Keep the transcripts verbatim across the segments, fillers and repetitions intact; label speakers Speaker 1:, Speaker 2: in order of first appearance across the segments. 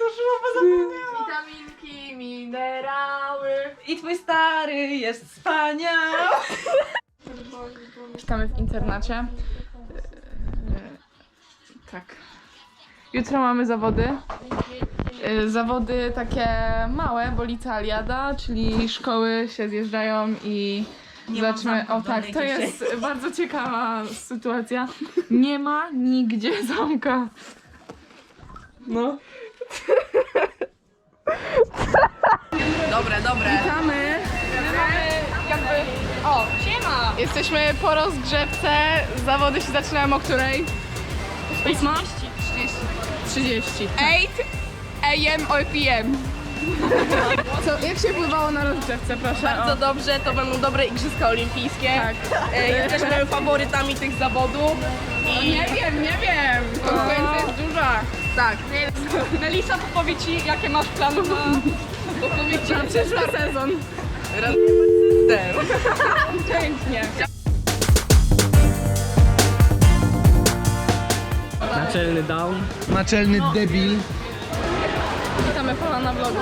Speaker 1: to szło, zapomniałam.
Speaker 2: Witaminki, minerały.
Speaker 1: I twój stary jest wspaniały.
Speaker 2: Czytamy w internacie. Tak. Jutro mamy zawody. Zawody takie małe, bo licealiada, czyli szkoły się zjeżdżają i
Speaker 1: Nie mam
Speaker 2: zaczynamy.
Speaker 1: zamka
Speaker 2: O
Speaker 1: w
Speaker 2: tak,
Speaker 1: dolnej
Speaker 2: to jest bardzo ciekawa sytuacja. Nie ma nigdzie zamka. No.
Speaker 1: Dobre, dobre.
Speaker 2: Witamy. Jakby. O, siema! Jesteśmy po rozgrzewce. Zawody się zaczynają o której? Ósma? trzydzieści. osiem a m or p m. Co, jak się pływało na rozgrzewce, proszę?
Speaker 3: Bardzo dobrze, to będą dobre igrzyska olimpijskie.
Speaker 2: Tak.
Speaker 3: E, Jesteśmy faworytami tych zawodów. I
Speaker 2: Nie wiem, nie wiem. Konkurencja jest duża.
Speaker 3: tak,
Speaker 2: Melisa powie ci, jakie masz plany na, na przyszły sezon.
Speaker 3: raz
Speaker 2: Pięknie.
Speaker 4: Naczelny down.
Speaker 5: Naczelny debil.
Speaker 2: Witamy pana na vlogu.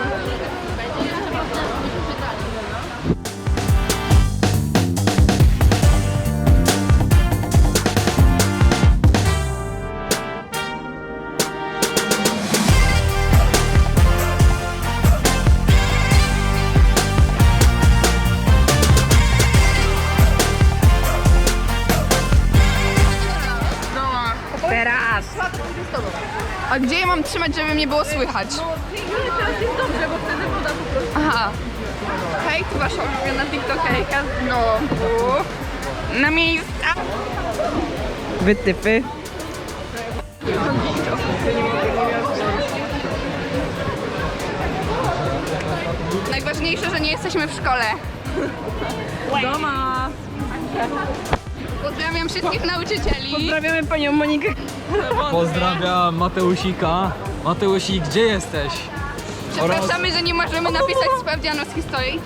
Speaker 3: teraz.
Speaker 2: A gdzie je mam trzymać, żeby mnie było słychać?
Speaker 3: Teraz jest dobrze, bo wtedy woda po prostu.
Speaker 2: Aha. Hej, to wasza ulubiona tiktokerka znowu. Na miejsca.
Speaker 4: Wytypy.
Speaker 2: Najważniejsze, że nie jesteśmy w szkole. Doma. Pozdrawiam wszystkich nauczycieli.
Speaker 3: Pozdrawiamy panią Monikę.
Speaker 4: Pozdrawiam Mateusika. Mateusik, gdzie jesteś?
Speaker 2: Przepraszamy, że nie możemy napisać sprawdzianu z historii.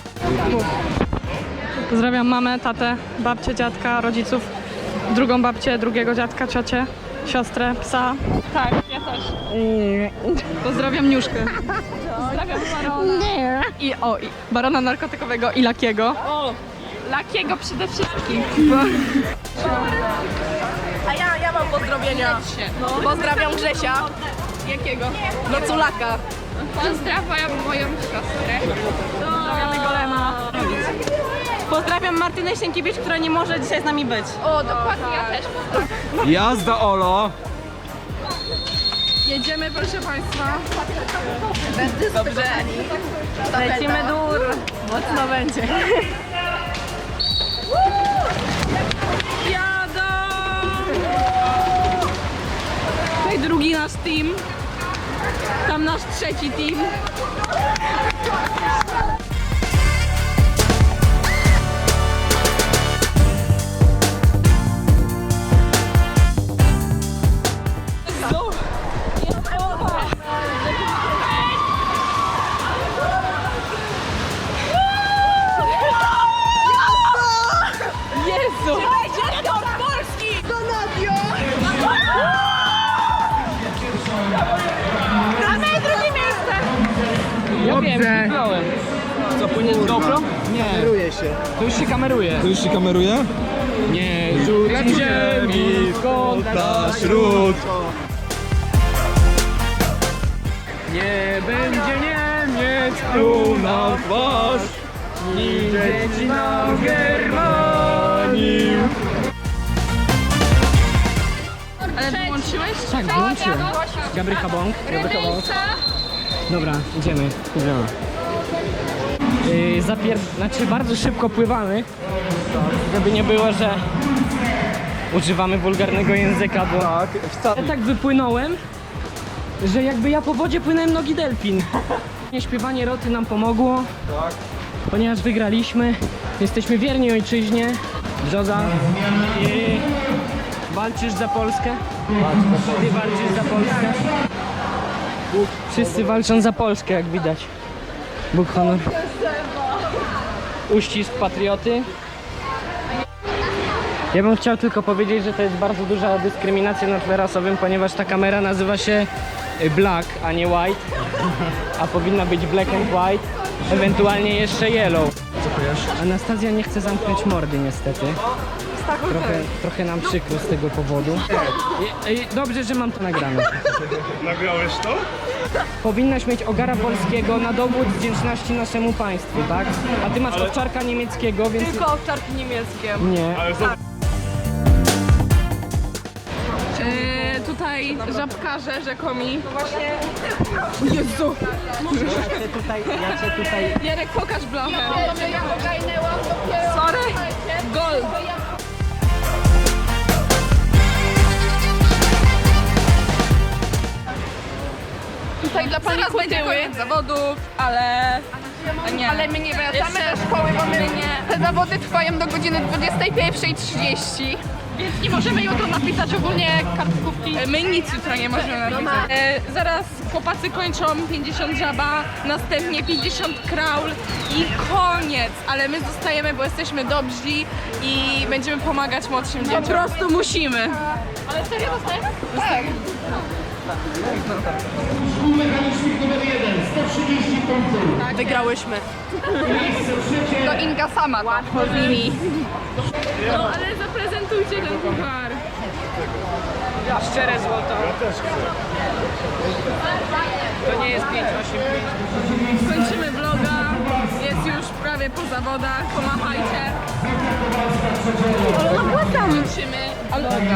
Speaker 6: Pozdrawiam mamę, tatę, babcię, dziadka, rodziców, drugą babcię, drugiego dziadka, ciocię, siostrę, psa.
Speaker 2: Tak, ja też.
Speaker 6: Pozdrawiam Niuszkę.
Speaker 2: Pozdrawiam Barona.
Speaker 6: I o, i barona narkotykowego i Lakiego.
Speaker 2: O, Lakiego przede wszystkim.
Speaker 3: A ja, ja mam pozdrowienia. Pozdrawiam Grzesia.
Speaker 2: Jakiego?
Speaker 3: No Culaka.
Speaker 2: Pozdrawiam moją siostrę.
Speaker 6: Pozdrawiamy Golema. Pozdrawiam Martynę Sienkiewicz, która nie może dzisiaj z nami być.
Speaker 2: O, dokładnie, ja też pozdrawiam.
Speaker 4: Jazda Olo.
Speaker 2: Jedziemy, proszę państwa.
Speaker 3: Dobrze.
Speaker 6: Lecimy dur.
Speaker 3: Mocno będzie.
Speaker 6: Jadą! Tutaj drugi nasz team. Tam nasz trzeci team. Jezu! Ja wiem, kliknąłem. Co, płynie z GoPro? Nie.
Speaker 5: Kameruje się.
Speaker 4: To już się kameruje.
Speaker 5: To już się kameruje?
Speaker 4: Nie, rzut ziemi,
Speaker 5: Kąta śród.
Speaker 4: nie będzie Niemiec pluł na twarz. Nim dzieci na Germanii.
Speaker 2: Ale wyłączyłeś?
Speaker 4: Tak, włączyłem. Gabrycha Bąk. Gabrycha Bąk. Dobra, idziemy. Idziemy. Yy, zapier... Znaczy bardzo szybko pływamy, żeby nie było, że używamy wulgarnego języka, bo
Speaker 5: Tak,
Speaker 4: ja tak wypłynąłem, że jakby ja po wodzie płynąłem nogi delfin. Śpiewanie roty nam pomogło, ponieważ wygraliśmy. Jesteśmy wierni ojczyźnie. Brzoza. I walczysz za Polskę? Ty walczysz za Polskę? Wszyscy walczą za Polskę, jak widać. Bóg honor. Uścisk patrioty. Ja bym chciał tylko powiedzieć, że to jest bardzo duża dyskryminacja na tle rasowym, ponieważ ta kamera nazywa się y, black, a nie white, a powinna być black and white, ewentualnie jeszcze yellow. Anastazja nie chce zamknąć mordy niestety. Trochę, trochę nam przykro z tego powodu. I, i dobrze, że mam to nagrane.
Speaker 5: Nagrałeś to?
Speaker 4: Powinnaś mieć ogara polskiego na dowód wdzięczności naszemu państwu, tak? A ty masz owczarka niemieckiego, więc...
Speaker 3: Tylko owczarki niemieckie.
Speaker 4: Nie.
Speaker 5: Ale zobacz.
Speaker 2: Yy, tutaj żabkarze rzekomi. Właśnie. Jezu!
Speaker 4: Ja cię tutaj, ja cię tutaj...
Speaker 2: Jarek, pokaż blachę. Sorry. Gol. Tutaj dla pani
Speaker 3: Zaraz będzie
Speaker 2: Kutyły.
Speaker 3: koniec zawodów, ale... Nie.
Speaker 2: Ale my nie wracamy
Speaker 3: Jeszcze-
Speaker 2: do szkoły, bo my
Speaker 3: nie.
Speaker 2: te zawody trwają do godziny dwudziestej pierwszej trzydzieści. Więc nie możemy jutro napisać ogólnie kartkówki. My nic jutro nie możemy napisać. E, zaraz chłopacy kończą pięćdziesiąt żaba, następnie pięćdziesiąt kraul i koniec. Ale my zostajemy, bo jesteśmy dobrzy i będziemy pomagać młodszym dzieciom.
Speaker 3: Po prostu musimy.
Speaker 2: Ale serio dostajemy? Tak.
Speaker 3: Wygrałyśmy.
Speaker 2: To Inga sama to mówi. No ale zaprezentujcie ten puchar.
Speaker 4: Szczere złoto. To nie jest pięć osiem pięć.
Speaker 2: Kończymy vloga. Jest już prawie po zawodach. Pomachajcie. Ale nakładamy. Kończymy vloga.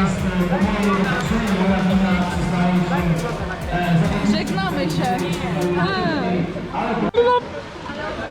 Speaker 2: Żegnamy się.